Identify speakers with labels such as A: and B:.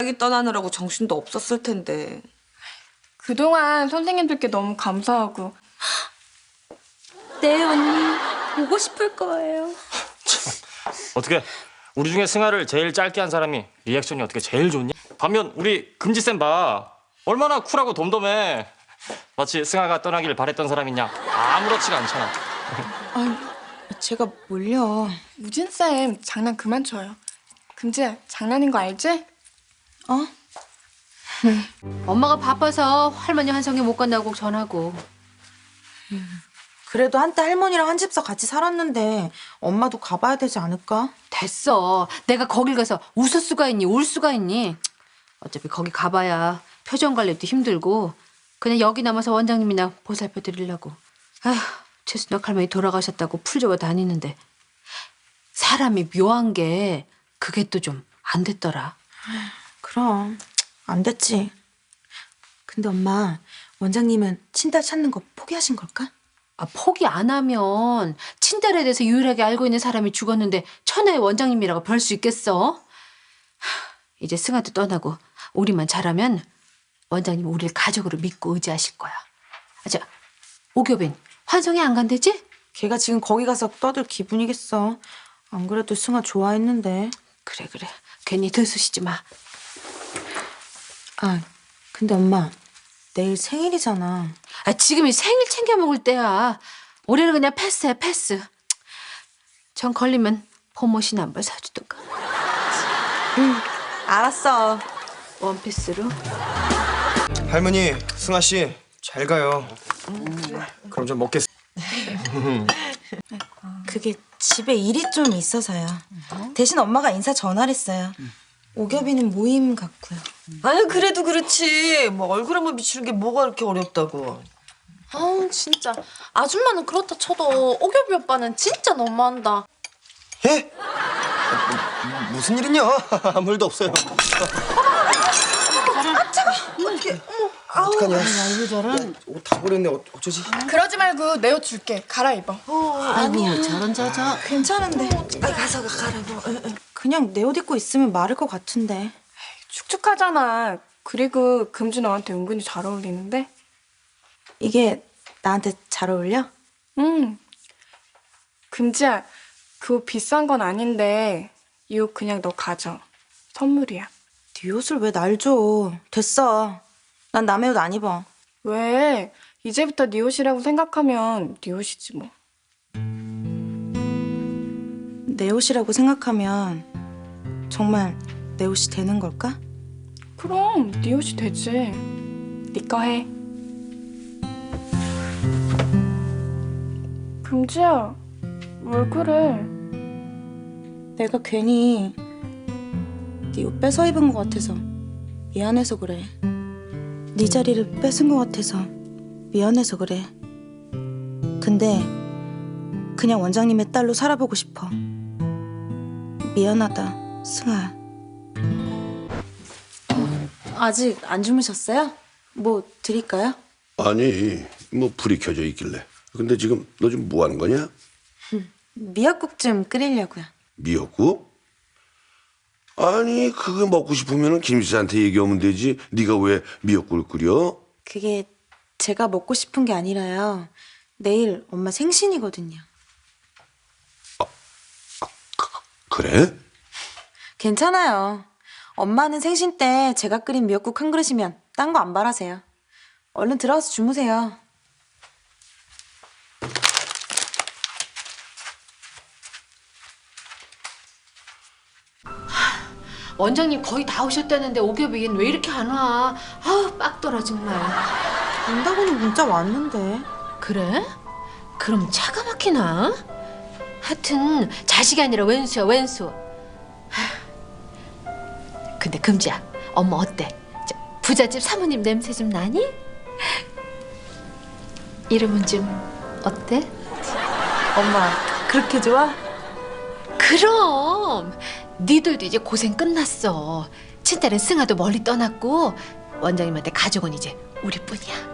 A: 자기 떠나느라고 정신도 없었을 텐데.
B: 그동안 선생님들께 너무 감사하고.
C: 네, 언니. 보고 싶을 거예요.
D: 어떻게 우리 중에 승아를 제일 짧게 한 사람이 리액션이 어떻게 제일 좋냐? 반면 우리 금지쌤 봐. 얼마나 쿨하고 덤덤해. 마치 승아가 떠나길 바랬던 사람이냐. 아무렇지가 않잖아.
A: 제가 뭘요?
B: 우진쌤 장난 그만 쳐요. 금지야, 장난인 거 알지?
A: 어?
C: 엄마가 바빠서 할머니 환송에 못 간다고 꼭 전하고.
E: 그래도 한때 할머니랑 한 집서 같이 살았는데 엄마도 가봐야 되지 않을까?
C: 됐어. 내가 거길 가서 웃을 수가 있니? 울 수가 있니? 어차피 거기 가봐야 표정 관리도 힘들고 그냥 여기 남아서 원장님이나 보살펴 드리려고. 아휴, 최순혁 할머니 돌아가셨다고 풀잡아 다니는데 사람이 묘한 게 그게 또 좀 안 됐더라.
E: 그럼 안 됐지. 근데 엄마, 원장님은 친딸 찾는 거 포기하신 걸까?
C: 아, 포기 안 하면 친딸에 대해서 유일하게 알고 있는 사람이 죽었는데 천하의 원장님이라고 별 수 있겠어? 하, 이제 승아도 떠나고 우리만 잘하면 원장님 우리를 가족으로 믿고 의지하실 거야. 아, 저 오교빈 환송회 안 간대지?
E: 걔가 지금 거기 가서 떠들 기분이겠어. 안 그래도 승아 좋아했는데.
C: 그래. 괜히 들쑤시지 마.
E: 아, 근데 엄마, 내일 생일이잖아.
C: 아, 지금이 생일 챙겨 먹을 때야. 올해는 그냥 패스해, 패스. 전 걸리면 봄옷이나 한 벌 사주던가.
E: 알았어.
C: 원피스로.
F: 할머니, 승아 씨, 잘 가요. 그럼 좀 먹겠.
E: 그게 집에 일이 좀 있어서요. 대신 엄마가 인사 전화를 했어요. 오겹이는 모임 같고요.
A: 아유, 그래도 그렇지. 뭐 얼굴 한번 비추는 게 뭐가 그렇게 어렵다고.
G: 아우 진짜 아줌마는 그렇다 쳐도 오겹이 오빠는 진짜 너무한다.
F: 예? 무슨 일이냐? 아무 일도 없어요. 어떡하냐? 옷 다 버렸네. 어쩌지?
B: 그러지 말고 내 옷 줄게. 갈아입어.
E: 아니요, 저런 괜찮은데. 가서 가라고. 그냥 내 옷 입고 있으면 마를 것 같은데.
B: 축축하잖아. 그리고 금지 너한테 은근히 잘 어울리는데?
E: 이게 나한테 잘 어울려?
B: 응. 금지야, 그 옷 비싼 건 아닌데 이 옷 그냥 너 가져. 선물이야.
E: 네 옷을 왜 날 줘? 됐어. 난 남의 옷 안 입어.
B: 왜? 이제부터 네 옷이라고 생각하면 네 옷이지 뭐.
E: 내 옷이라고 생각하면 정말 내 옷이 되는 걸까?
B: 그럼 네 옷이 되지. 네 거 해. 금지야, 왜 그래?
E: 내가 괜히 네 옷 뺏어 입은 것 같아서 미안해서 그래. 네 자리를 뺏은 것 같아서 미안해서 그래. 근데 그냥 원장님의 딸로 살아보고 싶어. 미안하다, 승아. 아직 안 주무셨어요? 뭐 드릴까요?
H: 아니, 뭐 불이 켜져 있길래. 근데 지금 너 지금 뭐 하는 거냐?
E: 미역국 좀 끓이려고요.
H: 미역국? 아니, 그거 먹고 싶으면 김 씨한테 얘기하면 되지. 네가 왜 미역국을 끓여?
E: 그게 제가 먹고 싶은 게 아니라요. 내일 엄마 생신이거든요.
H: 그래?
E: 괜찮아요. 엄마는 생신 때 제가 끓인 미역국 한 그릇이면 딴 거 안 바라세요. 얼른 들어가서 주무세요.
C: 원장님 거의 다 오셨다는데 오겹이는 왜 이렇게 안 와? 아우, 빡돌아 정말.
E: 온다고는 문자 왔는데.
C: 그래? 그럼 차가 막히나? 하여튼 자식이 아니라 왼수야, 왼수. 하, 근데 금지야, 엄마 어때? 저 부잣집 사모님 냄새 좀 나니? 이름은 좀 어때?
E: 엄마 그렇게 좋아?
C: 그럼 니들도 이제 고생 끝났어. 친딸은 승아도 멀리 떠났고 원장님한테 가족은 이제 우리뿐이야.